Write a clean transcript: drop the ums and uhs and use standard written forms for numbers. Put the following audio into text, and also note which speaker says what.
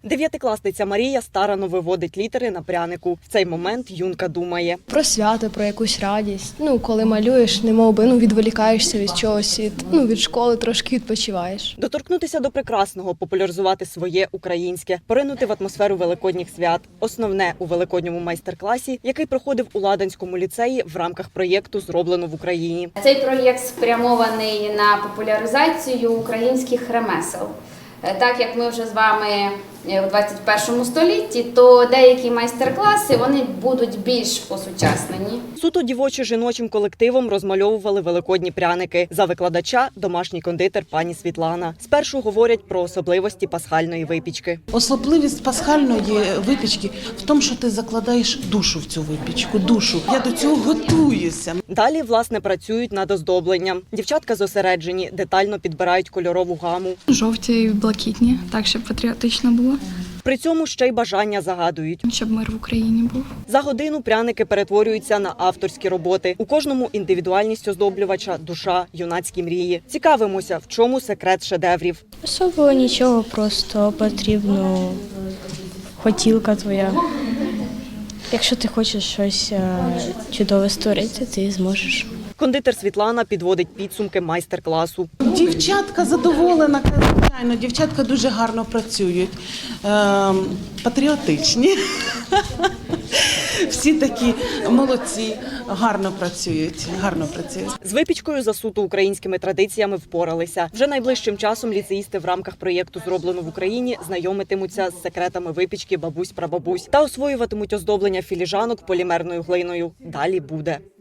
Speaker 1: Дев'ятикласниця Марія старанно виводить літери на прянику. В цей момент юнка думає.
Speaker 2: Про свято, про якусь радість. Коли малюєш, немовби відволікаєшся від чогось, від школи трошки відпочиваєш.
Speaker 1: Доторкнутися до прекрасного, популяризувати своє українське, поринути в атмосферу великодніх свят. Основне у великодньому майстер-класі, який проходив у Ладанському ліцеї в рамках проєкту «Зроблено в Україні».
Speaker 3: Цей проєкт спрямований на популяризацію українських ремесел. Так як ми вже з вами у 21 столітті, то деякі майстер-класи вони будуть більш осучаснені.
Speaker 1: Суто дівочо-жіночим колективом розмальовували великодні пряники. За викладача – домашній кондитер пані Світлана. Спершу говорять про особливості пасхальної випічки.
Speaker 4: Особливість пасхальної випічки в тому, що ти закладаєш душу в цю випічку, душу. Я до цього готуюся.
Speaker 1: Далі, власне, працюють над оздобленням. Дівчатка зосереджені, детально підбирають кольорову гаму.
Speaker 5: Жовті і блакитні, так, щоб патріотично було.
Speaker 1: При цьому ще й бажання загадують.
Speaker 5: Щоб мир в Україні був.
Speaker 1: За годину пряники перетворюються на авторські роботи. У кожному індивідуальність оздоблювача, душа, юнацькі мрії. Цікавимося, в чому секрет шедеврів.
Speaker 2: Особливо нічого, просто потрібно хотілка твоя. Якщо ти хочеш щось чудове створити, ти зможеш.
Speaker 1: Кондитер Світлана підводить підсумки майстер-класу.
Speaker 4: Дівчатка задоволена, звичайно, дівчатка дуже гарно працюють, патріотичні. Всі такі молодці, гарно працюють.
Speaker 1: З випічкою за суто українськими традиціями впоралися. Вже найближчим часом ліцеїсти в рамках проєкту «Зроблено в Україні» знайомитимуться з секретами випічки бабусь-прабабусь та освоюватимуть оздоблення філіжанок полімерною глиною. Далі буде.